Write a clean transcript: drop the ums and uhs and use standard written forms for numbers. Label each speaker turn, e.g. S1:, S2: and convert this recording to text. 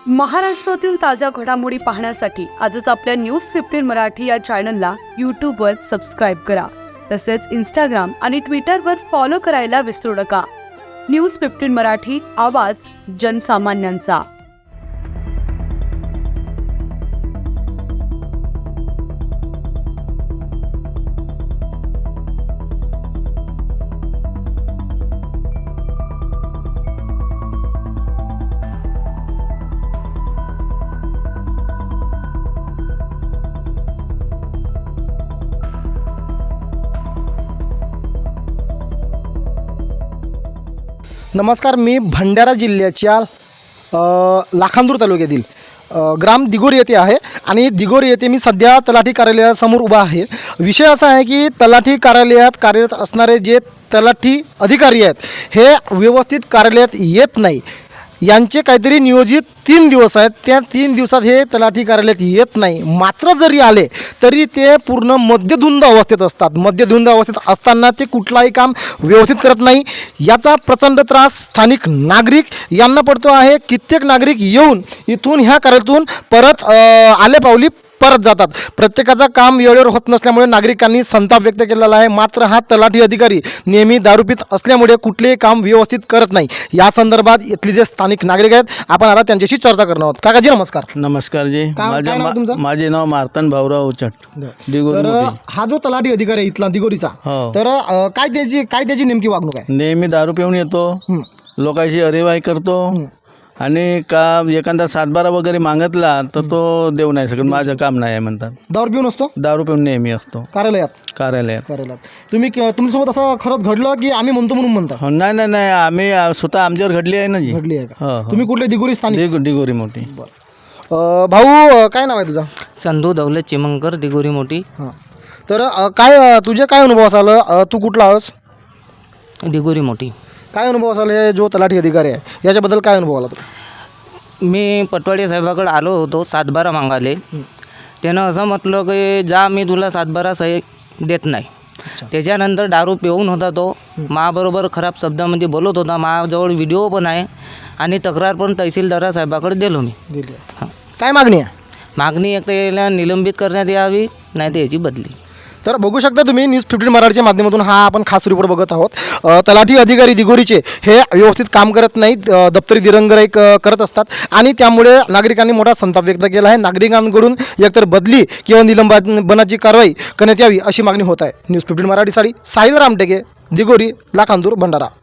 S1: महाराष्ट्रातील ताज्या घडामोडी पाहण्यासाठी आजच आपल्या न्यूज 15 मराठी या चॅनलला यूट्यूबवर सबस्क्राईब करा. तसेच इंस्टाग्राम आणि ट्विटरवर फॉलो करायला विसरू नका. न्यूज 15 मराठी, आवाज जनसामान्यांचा.
S2: नमस्कार, मी भंडारा जिल्ह्याच्या लाखांदूर तालुक्यातील ग्राम दिगोरी येथे आहे आणि दिगोरी येथे मी सध्या तलाठी कार्यालयासमोर उभा आहे. विषय असा आहे की तलाठी कार्यालयात कार्यरत असणारे जे तलाठी अधिकारी आहेत हे व्यवस्थित कार्यालयात येत नाही. यांचे काहीतरी नियोजित 3 दिवस आहेत, त्या 3 दिवसात हे तलाठी कार्यालयात येत नाही. मात्र जरी आले तरी ते पूर्ण मद्यधुंद अवस्थेत असतात. मद्यधुंद अवस्थेत असताना ते कुठलाही काम व्यवस्थित करत नाही. याचा प्रचंड त्रास स्थानिक नागरिक यांना पडतो आहे. कित्येक नागरिक येऊन इथून ह्या कार्यालयातून परत आले पावली परत जातात. प्रत्येकाचं काम वेळेवर होत नसल्यामुळे नागरिकांनी संताप व्यक्त केलेला आहे. मात्र हा तलाठी अधिकारी नेहमी दारू पीत असल्यामुळे कुठलेही काम व्यवस्थित करत नाही. या संदर्भात इथले जे स्थानिक नागरिक आहेत आपण आता त्यांच्याशी चर्चा करणार आहोत. काकाजी नमस्कार.
S3: नमस्कार जी.
S2: काय नाव तुमचं?
S3: माझे नाव मार्तन भाऊराव उचट, दिगोरी
S2: तर
S3: मोठी.
S2: हा जो तलाठी अधिकारी आहे इथला दिगोरीचा,
S3: हो.
S2: तर काय त्याची नेमकी वागणूक आहे?
S3: नेहमी दारू पिऊन येतो, लोकांची अरेवाई करतो आणि का एखादा 7-12 वगैरे मागितला तर तो देऊ नाही शकत. माझं काम नाही आहे म्हणतात.
S2: दारू पिऊन असतो
S3: दारू पिऊन नेहमी असतो
S2: कार्यालयात.
S3: कार्यालयात.
S2: तुम्ही तुमच्यासोबत असं खरंच घडलं की आम्ही म्हणतो म्हणून म्हणता?
S3: हो, नाही आम्ही स्वतः आमच्यावर घडली आहे ना जी.
S2: घडली आहे का?
S3: हो.
S2: तुम्ही कुठले दिगोरी स्थानिक?
S3: दिगोरी मोठी.
S2: भाऊ काय नाव आहे तुझं?
S4: संधू दौलत चिमंकर, दिगोरी मोठी.
S2: हां, तर काय तुझे काय अनुभव असाल? तू कुठला आहेस?
S4: दिगोरी मोठी.
S2: काय अनुभव असाल हे जो तलाठी अधिकारी आहे याच्याबद्दल काय अनुभव आला तुला?
S4: मी पटवाडी साहेबाकडे आलो होतो 7-12 मागाले. त्यानं असं म्हटलं की जा, मी तुला 7-12 सही देत नाही. त्याच्यानंतर दारू पिऊन होता तो, माबरोबर खराब शब्दामध्ये बोलत होता. माझ्याजवळ व्हिडिओ पण आहे आणि तक्रार पण तहसीलदार साहेबाकडे दिलो मी. हां.
S2: काय मागणी आहे?
S4: मागणी एक तर याला निलंबित करण्यात यावी, नाही तर याची बदली.
S2: तर बघू शकता तुम्ही न्यूज 15 मराठीच्या माध्यमातून हा आपण खास रिपोर्ट बघत आहोत. तलाठी अधिकारी दिगोरीचे हे व्यवस्थित काम करत नाहीत, दप्तरी दिरंगाई करत असतात आणि त्यामुळे नागरिकांनी मोठा संताप व्यक्त केला आहे. नागरिकांकडून एकतर बदली किंवा निलंबनाची कारवाई करण्यात यावी अशी मागणी होत आहे. न्यूज 15 मराठीसाठी साहिल रामटेके, दिगोरी, लाखांदूर, भंडारा.